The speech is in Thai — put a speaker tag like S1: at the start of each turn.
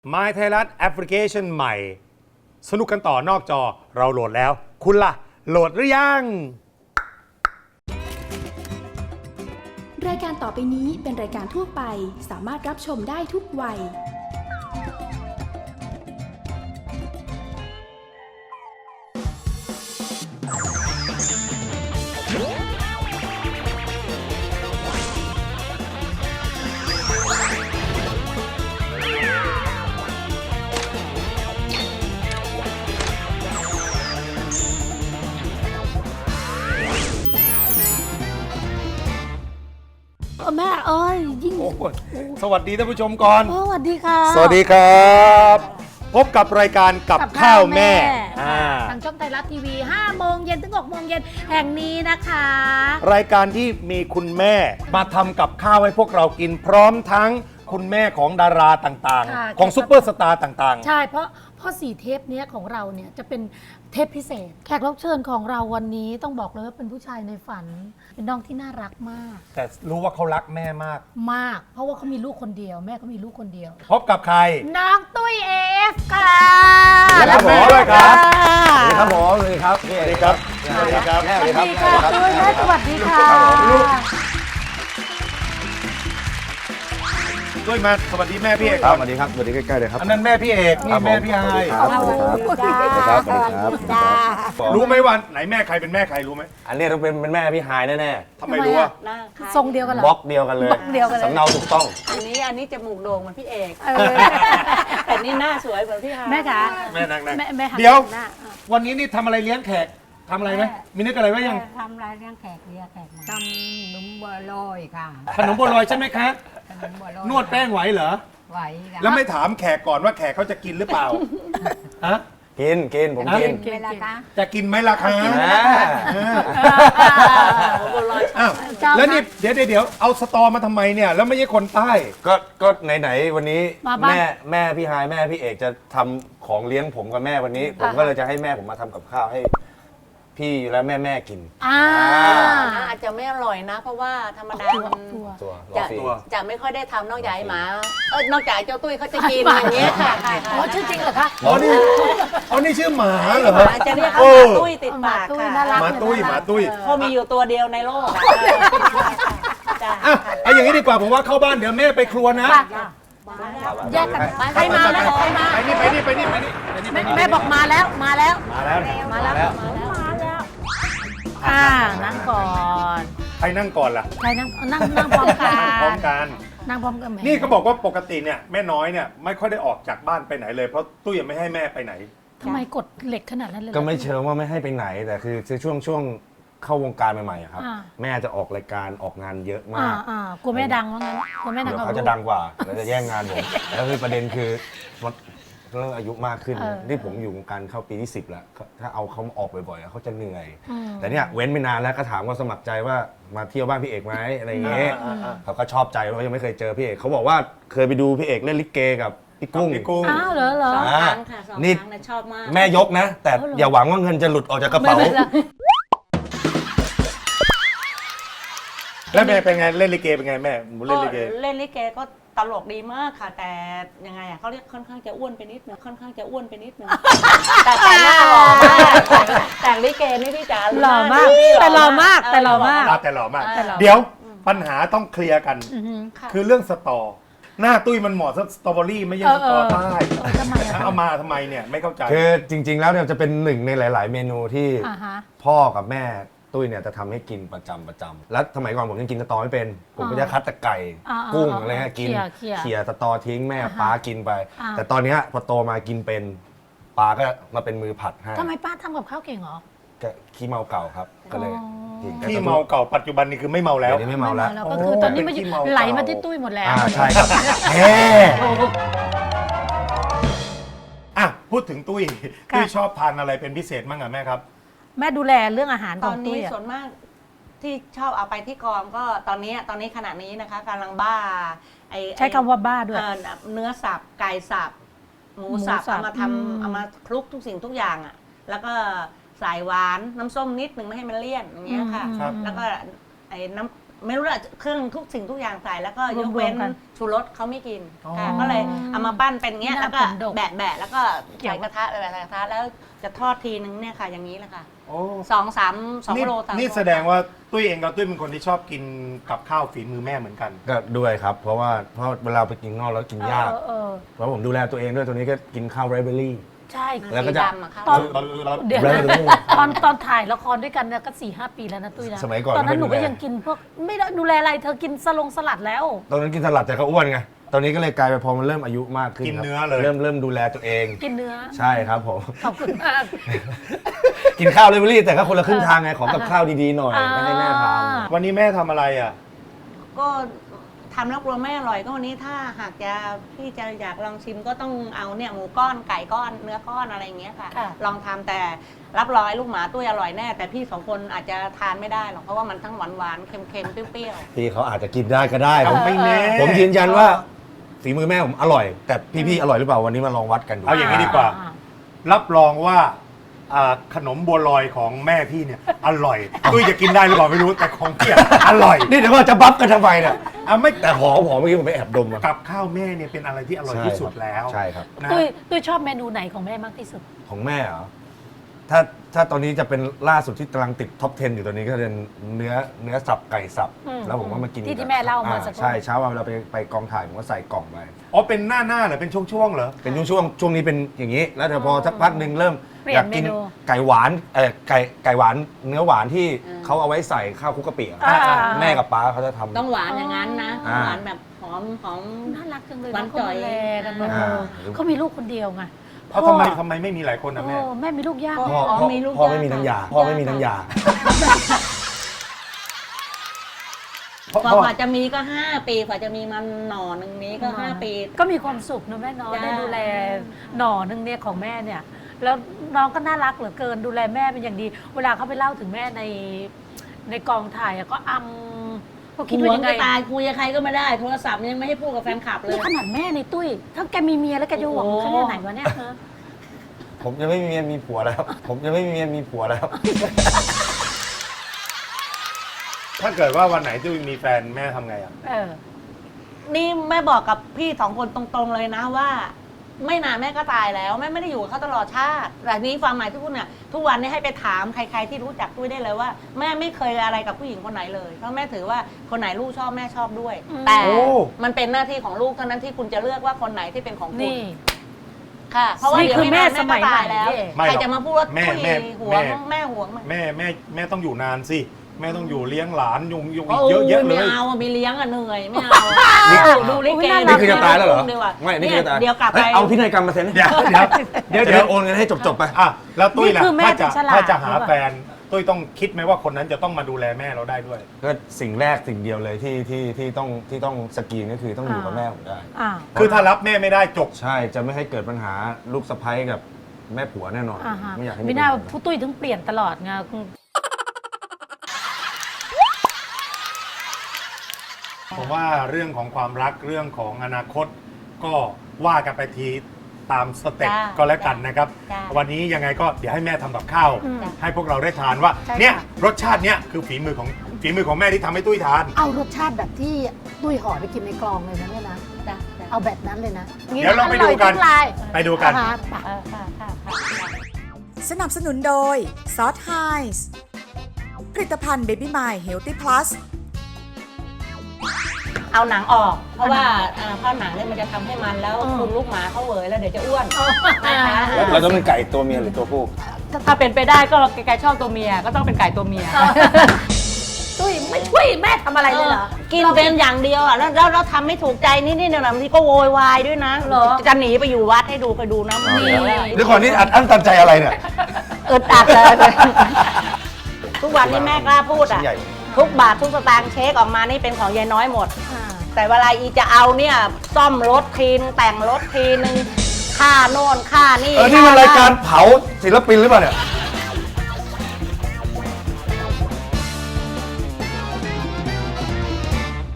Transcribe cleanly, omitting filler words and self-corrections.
S1: My ไทยรัฐแอปพลิเคชันใหม่สนุกกันต่อนอกจอเราโหลดแล้ว คุณล่ะโหลดหรือยัง
S2: รายการต่อไปนี้เป็นรายการทั่วไปสามารถรับชมได้ทุกวัย
S3: แม่เอ้ยยิ่ง
S1: สวัสดีท่านผู้ชมก่อน
S3: สวัสดีค่ะ
S1: สวัสดีครับพบกับรายการกับข้าวแม่
S3: ทางช่องไทยรัฐทีวี5 โมงเย็นถึง 6 โมงเย็นแห่งนี้นะคะ
S1: รายการที่มีคุณแม่มาทำกับข้าวให้พวกเรากินพร้อมทั้งคุณแม่ของดาราต่างๆ ของซุปเปอร์สตาร์ต่างๆ
S3: ใช่เพราะ4 เทปเนี้ยของเราเนี่ยจะเป็นเทปพิเศษ แขกรับเชิญของเราวันนี้ต้องบอกเลยว่าเป็นผู้ชายในฝัน เป็นน้องที่น่ารักมาก
S1: แต่รู้ว่าเขารักแม่มาก
S3: มาก เพราะว่าเขามีลูกคนเดียวแม่เขามีลูกคนเดียว
S1: พบกับใคร
S3: น้องตุ้ยเอฟค่ะ
S1: และแม่ด้วยครับ
S4: สวัสดีครับผมสวัสดีครับ
S1: สวัสดีครับสวัสดีครับ
S4: แม่
S3: ส
S4: สวั
S3: วั
S4: ส
S3: ส
S4: ดี
S3: ดี
S4: ครั
S3: ค่ะ
S4: บ
S3: ตุ้ยแม่สวัสดีค่ะ
S1: ด้วยมาสวัสดีแม่พี่เอก
S4: ครับสวัสดีครับสวัสดีใกล้ๆเลยครับ
S1: อันนั้นแม่พี่เอกนี่แม่พี่ไฮ
S4: ครับสวัสดีครับสวัสดีครับสวัสดีครับ
S1: รู้ไหมว่าไหนแม่ใครเป็นแม่ใครรู้ไหม
S4: อันนี้ต้องเป็นแม่พี่หายแน่
S1: ทำไมรู้อ่ะ
S3: ทรงเดียวกันเหร
S4: ๆบล็
S3: อ
S4: อกเดียวกันเลย
S3: บล็อกเดียวกันเลย
S4: สำเนาถูกต้อง
S5: อันนี้จมูกโด่งเหมือนพี่เอก
S3: เออ
S5: แต่นี่หน้าสวยเหมือนพี่ฮา
S3: แม่คะ
S1: แม่นั่ง
S3: แม่หัน
S1: เดี๋ยว
S3: หน้า
S1: วันนี้นี่ทำอะไรเลี้ยงแขกทำอะไรไหมมีนึกอะไรไว้ยัง
S6: ทำรายเลี้ยงแขกเรียกแขกมาทำนมบัวลอยค่ะ
S1: ขนมบัวลอยใช่ไหมคะ
S6: ขนมบัวลอย
S1: นวดแป้งไหวเหรอ
S6: ไหวค่ะ
S1: แล้วไม่ถามแขกก่อนว่าแขกเขาจะกินหรือเปล่าฮะ
S4: กินผมกิน
S6: เวลาคะ
S1: จะกินไหมล่ะคะ
S4: อ่า
S1: อ้าวแล้วนี่เดี๋ยวเอาสตอมาทำไมเนี่ยแล้วไม่ใช่คนใต้
S4: ก็ไหนๆวันนี้
S3: มาบ้าน
S4: แม่พี่หายแม่พี่เอกจะทำของเลี้ยงผมกับแม่วันนี้ ผมก็เลยจะให้แม่ผมมาทำกับข้าวให้พี่และแม่กิน
S3: อ่า
S5: อาจจะไม่อร่อยนะ เพราะว่าธรรมดามัน
S3: ตัว
S4: ตัวรอ
S5: จะ
S4: ฟรี
S5: จะไม่ค่อยได้ทำนอกจากไอ้หมานอกจากเจ้าตุ้ยเขาจะกินอย่างเงี้ยค่ะ
S3: อ๋อชื่อจริงเหรอคะ
S1: อ๋อนี่ชื่อหมาเหรอ
S5: อาจจะเรียกเขาหมาตุ้ยติดปาก
S3: หมาตุ้ย
S5: ค่ะ
S3: น่ารัก
S1: หมาตุ้ยหมาตุ้ย
S5: เพราะมีอยู่ตัวเดียวในโลกอะจ้ะ
S1: อ่ะเอาอย่างนี้ดีกว่าผมว่าเข้าบ้านเดี๋ยวแม่ไปครัวนะ
S3: แยกกันไปใครมาแล้วใครมา
S1: ไปนี่
S3: แม่บอกมาแล้วมาแล้ว
S1: มาแล้ว
S3: มาแล้วนั่งก่อน
S1: ใครนั่งก่อนล่ะ
S3: ใครนั่งพร้อมกัน
S1: พร้อมกัน
S3: นั่งพร้อมกันแม่
S1: นี่เขาบอกว่าปกติเนี่ยแม่น้อยเนี่ยไม่ค่อยได้ออกจากบ้านไปไหนเลยเพราะตุ้ยยังไม่ให้แม่ไปไหน
S3: ทำไมกดเหล็กขนาดนั้นเลย
S4: ก็ไม่เชิงว่าไม่ให้ไปไหนแต่คือช่วงเข้าวงการใหม่ๆอะครับ
S3: อ่า
S4: แม่จะออกรายการออกงานเยอะมาก
S3: กลัวแม่ดังว่างั้นกลัวแม่ดัง
S4: เดี๋ยว
S3: กับ
S4: เขาจะ
S3: ลูก
S4: ดังกว่าแล้วจะแย่งงานผม แล้วคือประเด็นคือมันเรื่องอายุมากขึ้น
S3: เออ
S4: ที่ผมอยู่วงการเข้าปีที่ 10 แล้วถ้าเอาเขาออกบ่อยๆเขาจะเหนื่อย
S3: อืม
S4: แต่เนี่ยเว้นไปนานแล้วก็ถามว่าสมัครใจว่ามาเที่ยวบ้านพี่เอกไหมอะไรอย่างเงี้ยเขาก็ชอบใจเพราะยังไม่เคยเจอพี่เอกเขาบอกว่าเคยไปดูพี่เอกเล่นลิเกกับพี่กุ้ง
S1: พี่กุ้ง
S3: อ้าวเหรอ
S5: สองครั้งค่ะสอง
S4: นี่
S5: ครั้งนะชอบมาก
S4: แม่ยกนะ แต่อย่าหวังว่าเงินจะหลุดออกจากกระเป๋า
S3: ไม่เป็นไร
S1: แล้วแม่เป็นไงเล่นลิเกเป็นไงแม่หนูเล่นลิเก
S5: เล่นลิเกก็ตลกดีมากค่ะ แต่ยังไงอ่ะเขาเรียกค่อนข้างจะอ้วนไปนิดนึงแต่หน้าหล่อมากแต่งลิเกนี่พี่จ๋า
S3: หล่อมากแต่หล่อมากแต่หล่อมาก
S1: แต่หล่อมาก
S3: แต่หล่อ
S1: เดี๋ยวปัญหาต้องเคลียร์กัน
S3: อือหือ
S1: คือเรื่องสตอ หน้าตุ้ยมันเหมาะสตรอเบอรี่ไม่ใช่สตอใต้
S3: ทำไมอะ
S1: เอามาทำไมเนี่ยไม่เข้าใจ
S4: คือจริง ๆ แล้วเนี่ยจะเป็นหนึ่งในหลาย ๆ เมนูที่
S3: อ่าฮะ
S4: พ่อกับแม่ตุ้ยเนี่ยจะทำให้กินประจำแล้วสมัยก่อนผมยังกินสตอไม่เป็น ผมก็จะคัดแต่ไก่ กุ้งอะไรเงี้ยกิน
S3: เขี่ย
S4: สตอทิ้งแม่
S3: อ่าฮะ
S4: ป้ากินไป
S3: อ่า
S4: แต่ตอนเนี้ยพอโตมากินเป็นป้าก็มาเป็นมือผัดให้
S3: ทำไมป้าทำกับข้าวเก่งเหรอ
S4: ก็ขี้เมาเก่าครับ ก็เลย
S3: อ๋อ
S4: กิน
S1: ที่เมาเก่าปัจจุบันนี้คือไม่เมาแล้ว
S4: เดี๋ยวนี้ไม่เมาแล้ว
S3: ก็คือตอนนี้มัน
S1: เป็นขี้เมาเก่า
S3: ไหลมาที่ตุ้ยหมดแล้ว
S4: ใช่ครับแหม
S1: อ่ะพูดถึงตุ้ย
S3: ค่ะ
S1: ตุ้ยชอบทานอะไรเป็นพิเศษมั้งอ่ะแม่ครับ
S3: แม่ดูแลเรื่องอาหาร
S5: ต
S3: ข
S5: อ
S3: อน ง
S5: นี้
S3: ตุ้ยอะ
S5: ส่วนมากที่ชอบเอาไปที่กองก็ตอนนี้ขณะนี้นะคะกำลังบ้าไอ้
S3: ใช้คำว่าบ้าด้วย
S5: เนื้อสับไก่สับหมูสับ
S3: หมูสับ
S5: เอามา
S3: อืม
S5: เอามาคลุกทุกสิ่งทุกอย่างอ่ะแล้วก็ใส่หวานน้ำส้มนิดหนึ่งไม่ให้มันเลี่ยนอย่างเงี้ยค่ะ
S1: ครับ
S5: แล้วก็ไอ้น้ไม่รู้ละเครื่องทุกสิ่งทุกอย่างใส่แล้วก็ยก
S3: รว
S5: เว้
S3: ม
S5: น
S3: ๆกัน
S5: ชูรสเขาไม่กิน
S1: อ๋อ
S5: ค่ะก็เลยเอามาปั้นเป็นเงี้ย
S3: หน้า
S5: แล้วก็
S3: ผมดก
S5: แบะแล้วก็ใส่กระทะใส่กระทะแล้วจะทอดทีนึงเนี่ยค่ะอย่างนี้แหละค่ะ
S1: โอ้
S5: 2 โล 3
S1: นี่
S5: โล
S1: แสดงว่าตุ้ยเองกับตุ้ยเป็นคนที่ชอบกินกับข้าวฝีมือแม่เหมือนกัน
S4: ก็ด้วยครับ เพราะเวลาไปกินนอกแล้วกินยาก เพราะผมดูแลตัวเองด้วยตัวนี้ก็กินข้าวไรเบอรี่
S3: ใช่
S4: แล้วก็จะ
S5: สีดำอะค่ะ
S3: ตอน
S1: เรา
S3: เดี๋ยว
S4: แบรนด์
S3: นะ
S4: เลย
S3: ตอนถ่ายละครด้วยกันเนี่ยก็ 4-5 ปีแล้วนะตุ้ยนะ
S4: สมัยก่อน
S3: ตอนนั้นหนู
S4: ไม่
S3: ก็
S4: ดูแล
S3: ยังกินพวกไม่ได้ดูแลอะไรเธอกินสลัดแล้ว
S4: ตอนนั้นกินสลัดแต่ก็อ้วนไง ตอนนี้ก็เลยกลายไปพอมันเริ่มอายุมากขึ้น
S1: กิน
S4: ครับ
S1: เนื้อเลย
S4: เริ่มดูแลตัวเอง
S3: กินเนื้อ
S4: ใช่ครับผม
S3: ขอบคุณมาก
S4: กินข้าวไรเบอรี่แต่ก็คนละครึ่งทางไงขอกับข้าวดีๆหน่อยไม่ให้แม่ท
S1: วันนี้แม่ทำอะไรอ่ะ
S5: ก็ทำแล้วกลัวไม่อร่อยก็วันนี้ถ้าหากจะพี่จะอยากลองชิมก็ต้องเอาเนี่ยหมูก้อนไก่ก้อนเนื้อก้อนอะไรอย่างเงี้ยค่ะ
S3: ค่ะ
S5: ลองทำแต่รับรองลูกหมาตุ้ยอร่อยแน่ แต่พี่2 คนอาจจะทานไม่ได้หรอกเพราะว่ามันทั้งหวานๆเค็มๆเปรี้ยว
S4: ำพี่เขาอาจจะกินได้ก็ได้ผม
S1: ไม่แน่
S4: ผมยืนยันว่าฝีมือแม่ผมอร่อย แต่พี่ๆอร่อยหรือเปล่าวันนี้มาลองวัดกันดู
S1: เอาอย่างนี้ดีกว่า รับรองว่าขนมบัวลอยของแม่พี่เนี่ยอร่อยตุ้ยจะกินได้หรือเปล่าไม่รู้แต่ของพี่อะอร่อย
S4: นี่เดี๋ยวว่าจะบัฟกันทำไมเนี่ย
S1: ไม่
S4: แต่หอมเมื่อกี้ผมไปแอบดมมา
S1: กับข้าวแม่เนี่ยเป็นอะไรที่อร่อยที่สุดแล้ว
S4: ใช่ครับ
S1: นะ
S3: ตุ้ยชอบเมนูไหนของแม่มากที่สุด
S4: ของแม่เหรอถ้าตอนนี้จะเป็นล่าสุดที่กำลังติดท็อป 10 อยู่ตอนนี้ก็เป็นเนื้อสับไก่สับ
S3: อืม
S4: แล้วผมก็มากิน
S3: ที่แม่เล่ามาสักครู่
S4: ใช่เช้าวันเราไปกองถ่ายผมก็ใส่กล่องไป
S1: อ๋อเป็นหน้าเหรอเป็นช่วงๆเหรอ
S4: เป็นช่วงนี้เป็นอย่างนี้ แล้วเดี๋ยวพอสักพักหนึ่งเริ่ม
S3: เปลี่ยน
S4: อยากกิน
S3: เมนู
S4: ไก่หวานไก่หวานเนื้อหวานที่เขาเอาไว้ใส่ข้าวคลุกกะปิอะ
S3: อ่า
S4: แม่กับป้าเขาจะทำ
S5: ๆต้องหวานอย่างนั้นนะ
S4: อ่า
S5: หวานแบบหอม
S3: น่ารักจังเลย
S5: หวาน
S3: เขา
S5: จ่อย
S3: ดูแลกันเนอะ
S4: อ่า
S3: เขามีลูกคนเดียวไง
S1: เพราะทำไมไม่มีหลายคนนะแม่
S3: แม่มีลูกยาก
S4: พ่อ
S5: อ๋อ
S4: พ่อ
S5: มีลูก
S4: พ่อ
S5: าก
S4: ยไม่มีน้ำยา
S5: ค่ะ
S4: พ่อไม่มีน้ำยา
S1: เพราะ
S5: กว่าจะมีก็ 5 ปีกว่าจะมีมันหน่อหนึ่งนี้ก็ 5 ปี
S3: ก็มีความสุขนะแม่เนาะ
S5: จ้า
S3: ได้ดูแลหน่อนึงเนี่ยของแม่เนี่ย แล้วน้องก็น่ารักเหลือเกินดูแลแม่เป็นอย่างดี เวลาเขาไปเล่าถึงแม่ในกองถ่ายอะก็ก็คิด
S5: ห
S3: ว่า
S5: วง
S3: ยังไง
S5: จะตายคุยกับใครก็ไม่ได้โทรศัพท์ยังไม่ให้พูดกับแฟนคลับเลย
S3: นี่ขนาดแม่ในตุ้ยถ้าแกมีเมียแล้วแกจะหวง
S5: โอ้โห
S3: ขนาดไหนวะเนี่ยฮะ
S4: ผมยังไม่มีเมียมีผัวแล้ว ผมยังไม่มีเมียมีผัวแล้ว
S1: ถ้าเกิดว่าวันไหนตุ้ยมีแฟนแม่ทำไงอ่ะ
S5: นี่แม่บอกกับพี่2 คนตรงๆเลยนะว่า ไม่นานแม่ก็ตายแล้วแม่ไม่ได้อยู่กับเขาตลอดชาติแต่นี้ความหมายที่พูดเนี่ยทุกวันนี้ให้ไปถามใครๆที่รู้จักตุ้ยได้เลยว่า แม่ไม่เคยอะไรกับผู้หญิงคนไหนเลยเพราะแม่ถือว่าคนไหนลูกชอบแม่ชอบด้วย แต่
S1: โอ้
S5: มันเป็นหน้าที่ของลูกเท่านั้นที่คุณจะเลือกว่าคนไหนที่เป็นของคุณ
S3: นี่
S5: ค่ะ เพราะว่า
S3: นี่
S5: เดี๋ยว
S3: คือแม่
S5: ไนาน
S3: สมัย
S5: ก็ตายแล้ว
S3: ใหม่
S1: ไม่หรอก
S5: ใครจะมาพูดว่า
S1: แม่
S5: ตุ้ย
S1: แม่
S5: หวง
S1: แม่
S5: แม่หวงมัน
S1: แม่ต้องอยู่นานสิแม่ต้องอยู่เลี้ยงหลานยุงอี
S5: โอ้
S1: กเยอะแยะเล
S5: ไม่
S1: ย
S5: เอาอะมีเลี้ยงอะเหนื่อยไม่เอาดูลิเก
S4: นี่คือจะตายแล้วเหรอ
S5: ดีกว่า
S4: ไม่ นี่คือจะตาย
S5: เดี๋ยวกลับไป
S4: เฮ้เอาพินัยกรรมมาเซ็น
S1: เดี๋ยวเดี๋ยว
S4: เดี๋ยวโอนเงินให้จบๆไป
S1: อ่ะแล้วตุ้ยล่ะ
S3: นี่คือแม่
S1: ถ้าจะ
S3: ที่ฉลาด
S1: ถ้าจะหา
S3: รู้ป่ะ
S1: แฟนตุ้ยต้องคิดไหมว่าคนนั้นจะต้องมาดูแลแม่เราได้ด้วย
S4: ก็สิ่งแรกสิ่งเดียวเลยที่ต้องสกรีนก็คือต้องอยู่กับแม่ผมได้
S3: อ้าว
S1: คือถ้ารับแม่ไม่ได้จบ
S4: ใช่ จะไม่ให้เกิดปัญหาลูกสะใภ้กับแม่ผัวแน่นอน
S3: อ่าฮะ
S4: ไม่อยากให้
S3: ไม่น่า
S4: ปัญห
S3: ผู้ตุ้ยถึงเปลี่ยนตลอดไง
S1: ผมว่าเรื่องของความรักเรื่องของอนาคต ก็ว่ากันไปทีตามสเต็ป
S5: จ้า
S1: ก็แล้วกันนะครับ
S5: จ้า
S1: วันนี้ยังไงก็เดี๋ยวให้แม่ทำกับข้าว
S3: อืม
S1: ให้พวกเราได้ทานว่า
S3: ใช่ค่ะ
S1: เนี่ยรสชาติเนี่ยคือฝีมือของแม่ที่ทำให้ตุ้ยทาน
S3: เอารสชาติแบบที่ตุ้ยห่อไปกินในกลองเลยนะเนี่ยนะ
S5: จ้ะจ้ะ
S3: เอาแบบนั้นเลยนะ
S1: เดี๋ยวเราไปดูกัน
S3: อร่อยทุลาย
S1: ไปดูกัน
S3: อ่าฮะไป
S5: ค่ะค่ะค่ะ
S7: สนับสนุนโดยซอสไฮส์ผลิตภัณฑ์เบบี้มายเฮลตี้พลัส
S5: เอาหนังออก เพราะว่าเพราะหนังเนี่ยมันจะทำให้มันแล้วคุณลูกหมาเขาเหวยแล้วเดี๋ยวจะอ้วนนะคะ
S4: เราต้องเป็นไก่ตัวเมียหรือตัวผู้
S5: ถ้าเป็นไปได้ก็ไก่ชอบตัวเมียก็ต้องเป็นไก่ตัวเมีย
S3: ตุ้ยไม่ช่วยแม่ทำอะไรเลยเหรอ
S5: กินเป็นอย่างเดียวอ่ะแล้วเราทำไม่ถูกใจนิดๆหน่อยๆบางทีก็โวยวายด้วยนะ
S3: เหรอ
S5: จะหนีไปอยู่วัดให้ดูไปดูนะมัน
S3: นี่
S4: เดี๋ยวก่อนนี่อัดอั้นตันใจอะไรเนี่ย
S5: อึดอัดเลยทุกวันนี้แม่กล้าพูดอ่ะ
S4: ชิ้นใหญ่
S5: ทุกบาททุกสตางค์เช็คออกมานี่เป็นของยายน้อยหมด
S3: อ่า
S5: แต่เวลาอีจะเอาเนี่ยซ่อมรถทีนึงแต่งรถทีนึงค่าโน่นค่านี่
S4: นี่มันรายการเผาศิลปินหรือเปล่าเนี่ย